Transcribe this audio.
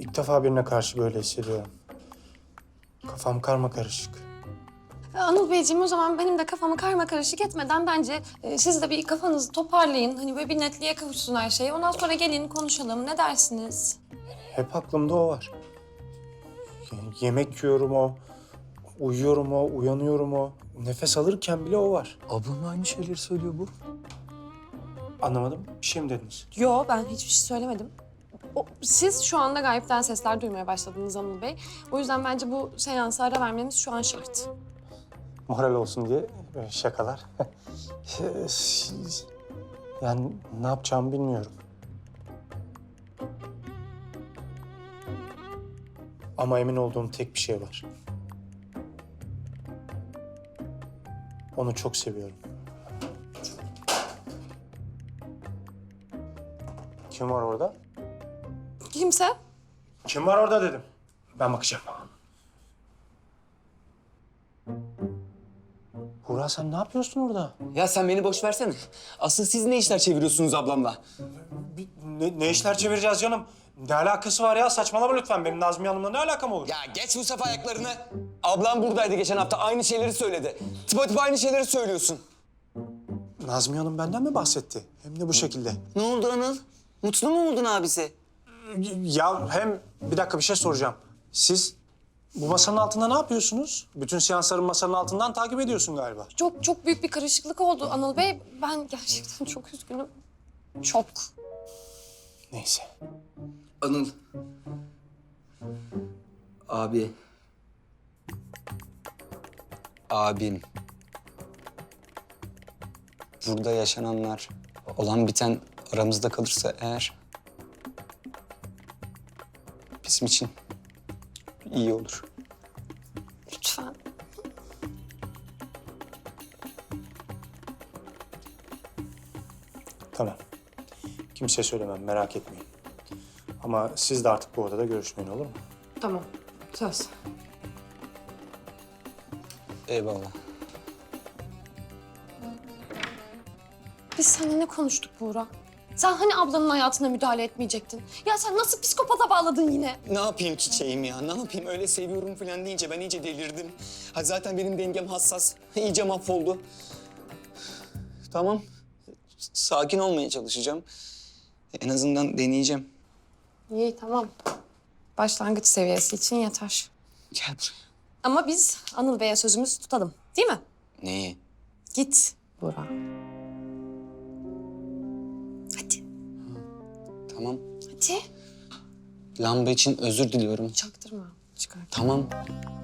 İlk defa birine karşı böyle hissediyorum. Kafam karmakarışık. Anıl Beyciğim, o zaman benim de kafamı karma karışık etmeden bence siz de bir kafanızı toparlayın. Hani böyle bir netliğe kavuşsun her şey. Ondan sonra gelin konuşalım. Ne dersiniz? Hep aklımda o var. Yani yemek yiyorum o, uyuyorum o, uyanıyorum o. Nefes alırken bile o var. Ablam aynı şeyleri söylüyor bu. Anlamadım. Bir şey mi dediniz? Yo, ben hiçbir şey söylemedim. Siz şu anda gayipten sesler duymaya başladınız Anıl Bey. O yüzden bence bu seansa ara vermemiz şu an şart. Moral olsun diye böyle şakalar. Yani ne yapacağımı bilmiyorum. Ama emin olduğum tek bir şey var. Onu çok seviyorum. Kim var orada? Kimse? Kim var orada dedim. Ben bakacağım. Buğra sen ne yapıyorsun orada? Ya sen beni boş versene. Asıl siz ne işler çeviriyorsunuz ablamla? Ne işler çevireceğiz canım? Ne alakası var ya? Saçmalama lütfen. Benim Nazmiye Hanım'la ne alakam olur? Ya geç Mustafa ayaklarını. Ablam buradaydı geçen hafta. Aynı şeyleri söyledi. Tıpatıp aynı şeyleri söylüyorsun. Nazmiye Hanım benden mi bahsetti? Hem de bu şekilde. Ne oldu Anıl? Mutlu mu oldun abisi? Ya hem bir dakika bir şey soracağım. Siz bu masanın altında ne yapıyorsunuz? Bütün seansların masanın altından takip ediyorsun galiba. Çok büyük bir karışıklık oldu Anıl Bey. Ben gerçekten çok üzgünüm. Çok. Neyse. Anıl. Abi. Abim. Burada yaşananlar, olan biten aramızda kalırsa eğer... bizim için iyi olur. Lütfen. Tamam. Kimseye söylemem merak etmeyin. Ama siz de artık bu odada görüşmeyin olur mu? Tamam. Söz. Eyvallah. Biz seninle ne konuştuk Buğra? Sen hani ablanın hayatına müdahale etmeyecektin? Ya sen nasıl psikopata bağladın yine? Ne yapayım çiçeğim ya? Ne yapayım? Öyle seviyorum falan deyince ben iyice delirdim. Ha zaten benim dengem hassas. İyice mahvoldu. Tamam. Sakin olmaya çalışacağım. En azından deneyeceğim. İyi, tamam. Başlangıç seviyesi için yeter. Gel buraya. Ama biz Anıl Bey'e sözümüzü tutalım. Değil mi? Neyi? Git Buğra. Hadi. Tamam. Hadi. Lamba için özür diliyorum. Çaktırma. Çıkar. Tamam.